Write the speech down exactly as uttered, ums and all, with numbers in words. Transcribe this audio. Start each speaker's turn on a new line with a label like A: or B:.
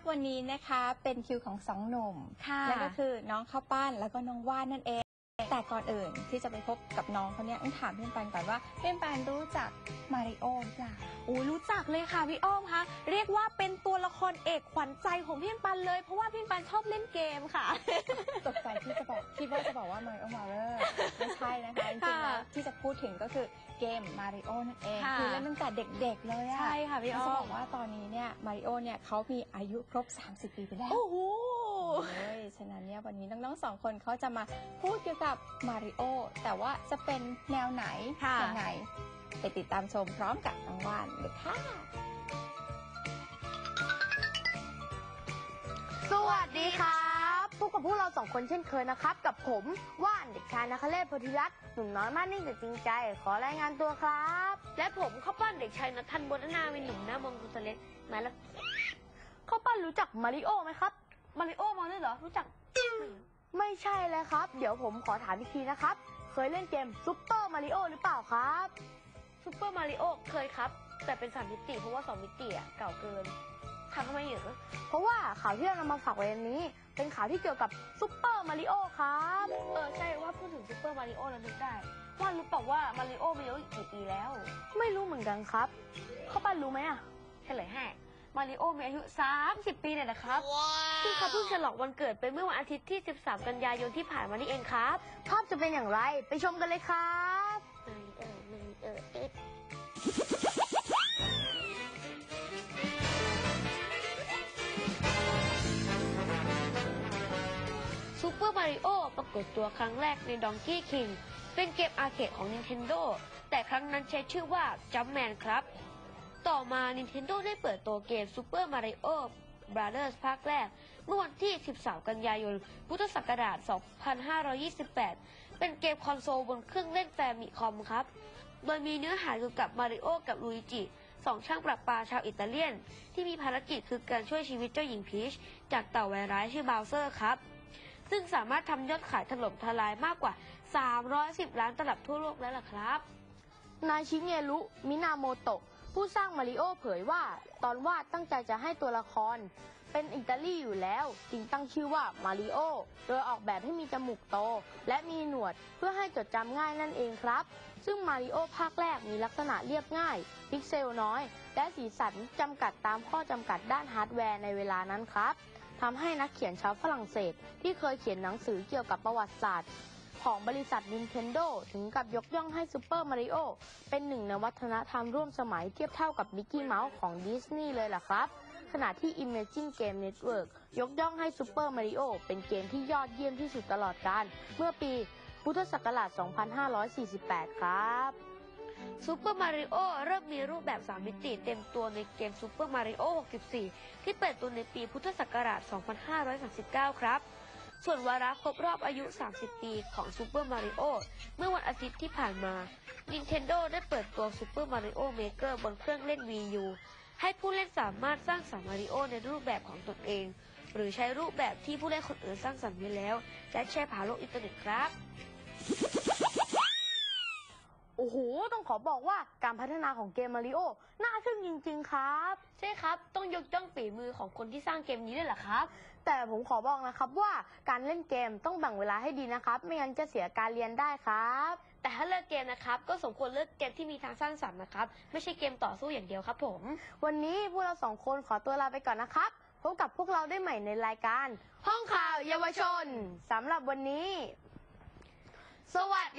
A: กวันนี้นะคะเป็นคิวของสองหนุ่มนั่นก็คือน้องข้าวปั้นแล้วก็น้องว่านนั่นเองแต่ก่อนอื่นที่จะไปพบกับน้องเขาเนี่ยต้องถามพี่ปันก่อนว่าพี่ปันรู้จักมาริโอหรือเปล่า
B: โอ้รู้จักเลยค่ะพี่อ้อมคะเรียกว่าเป็นตัวละครเอกขวัญใจของพี่ปันเลยเพราะว่าพี่ปันชอบเล่นเกมค่ะ
A: ตกใจที่จะบอกคิดว่าจะบอกว่ามาริโอมาเรอร์ไม่ใช่นะคะจริงๆแล้วที่จะพูดถึงก็คือเกมมาริโอนั่นเองคือเล่นตั้งแต่เด็กๆเลยอะ
B: ใช่ค่ะพี่อ้อม
A: จะบอกว่าตอนนี้เนี่ยมาริโอเนี่ยเขามีอายุครบสามสิบปีไปแล้ว
B: โอ้โห
A: ฉะนั้นเนี่ยวันนี้น้องๆสองคนเขาจะมาพูดเกี่ยวกับมาริโอแต่ว่าจะเป็นแนวไหนยังไงไปติดตามชมพร้อมกับน้องว่านเลยค่ะ
C: สวัสดีครับพบกับพวกเราสองคนเช่นเคยนะครับกับผมว่านเด็กชายนคเรศโพธิรัตน์หนุ่มน้อยมากนิ่งแต่จริงใจขอรายงานตัวครับ
D: และผมข้าวปั้นเด็กชายนัทธันบนนาวินหนุ่มหน้ามองกุศเลสมาแล้ว
C: ข้าวปั้นรู้จักมาริโอไหมครับ
D: มาริโอมาด้วยเหรอรู้จัก
C: ไม่ใช่เลยครับเดี๋ยวผมขอถามอีกทีนะครับเคยเล่นเกมซุปเปอร์มาริโอหรือเปล่าครับ
D: ซุปเปอร์มาริโอเคยครับแต่เป็นสามมิติเพราะว่าสองมิติอ่ะเก่าเกินทำทำไมเหรอ
C: เพราะว่าข่าวที่เรานำมาฝากไว้ในนี้เป็นข่าวที่เกี่ยวกับซุปเปอร์มาริโอครับ
D: เออใช่ว่าพูดถึงซุปเปอร์มาริโอแล้วนึกได้ว่ารู้เปล่าว่ามาริโอมีอายุกี่ปีแล้ว
C: ไม่รู้เหมือนกันครับข้าวปั้นรู้ไหมอ่ะ
D: เฉลยให้มาริโอมีอายุสามสิบปีเลยนะครับซึ่งเขาเพิ่งฉลองวันเกิดไปเมื่อวันอาทิตย์ที่สิบสามกันยายนที่ผ่านมานี่เองครับ
C: ภาพจะเป็นอย่างไรไปชมกันเลยครับ
D: เออเออเออเออซูเปอร์มาริโอปรากฏตัวครั้งแรกใน Donkey King เป็นเกมอาร์เคดของ Nintendo แต่ครั้งนั้นใช้ชื่อว่า Jumpman ครับต่อมา Nintendo ได้เปิดตัวเกม Super Mario Brothers ภาคแรกเมื่อวันที่สิบสามกันยายนพุทธศักราชสองพันห้าร้อยยี่สิบแปดเป็นเกมคอนโซลบนเครื่องเล่นแฟมิคอมครับโดยมีเนื้อหาเกี่ยวกับมาริโอกับลุยจิสองช่างประปาชาวอิตาเลียนที่มีภารกิจคือการช่วยชีวิตเจ้าหญิงพีชจากเต่าไวร้ายชื่อบาวเซอร์ครับซึ่งสามารถทำยอดขายถล่มทลายมากกว่าสามร้อยสิบล้านตลับทั่วโลกแล้วล่ะครับ
C: นายชิเงรุมินาโมโตะผู้สร้างมาริโอเผยว่าตอนวาดตั้งใจจะให้ตัวละครเป็นอิตาลีอยู่แล้วจึงตั้งชื่อว่ามาริโอโดยออกแบบให้มีจมูกโตและมีหนวดเพื่อให้จดจำง่ายนั่นเองครับซึ่งมาริโอภาคแรกมีลักษณะเรียบง่ายพิกเซลน้อยและสีสันจำกัดตามข้อจำกัดด้านฮาร์ดแวร์ในเวลานั้นครับทำให้นักเขียนชาวฝรั่งเศสที่เคยเขียนหนังสือเกี่ยวกับประวัติศาสตร์ของบริษัท Nintendo ถึงกับยกย่องให้ซูเปอร์มาริโอเป็นหนึ่งในวัฒนธรรมร่วมสมัยเทียบเท่ากับมิกกี้เมาส์ของดิสนีย์เลยล่ะครับขณะที่ Imagine Game Network ยกย่องให้ซูเปอร์มาริโอเป็นเกมที่ยอดเยี่ยมที่สุดตลอดกาลเมื่อปีพุทธศักราช สองพันห้าร้อยสี่สิบแปด ครับ
D: ซูเปอร์มาริโอเริ่มมีรูปแบบสามมิติเต็มตัวในเกมซูเปอร์มาริโอหกสิบสี่ที่เปิดตัวในปีพุทธศักราช สองพันห้าร้อยสามสิบเก้า ครับส่วนวาระครบรอบอายุ สามสิบ ปีของซูเปอร์มาริโอเมื่อวันอาทิตย์ที่ผ่านมา Nintendo ได้เปิดตัว Super Mario Maker บนเครื่องเล่น วี ยู ให้ผู้เล่นสามารถสร้างสรรค์มาริโอในรูปแบบของตนเองหรือใช้รูปแบบที่ผู้เล่นคนอื่นสร้างสรรค์ไว้แล้วและแชร์ผ่านโลกอินเทอร์เน็ตครับ
C: โอ้โหต้องขอบอกว่าการพัฒนาของเกมมาริโอน่าทึ่งจริงๆครับ
D: ใช่ครับต้องยกย่องฝีมือของคนที่สร้างเกมนี้ด้วยแหละครับ
C: แต่ผมขอบอกนะครับว่าการเล่นเกมต้องแบ่งเวลาให้ดีนะครับไม่งั้นจะเสียการเรียนได้ครับ
D: แต่ถ้าเลือกเกมนะครับก็สมควรเลือกเกมที่มีทางสร้างสรรค์นะครับไม่ใช่เกมต่อสู้อย่างเดียวครับผม
C: วันนี้พวกเราสองคนขอตัวลาไปก่อนนะครับพบกับพวกเราได้ใหม่ในรายการห้องข่าวเยาวชนสำหรับวันนี้สวัส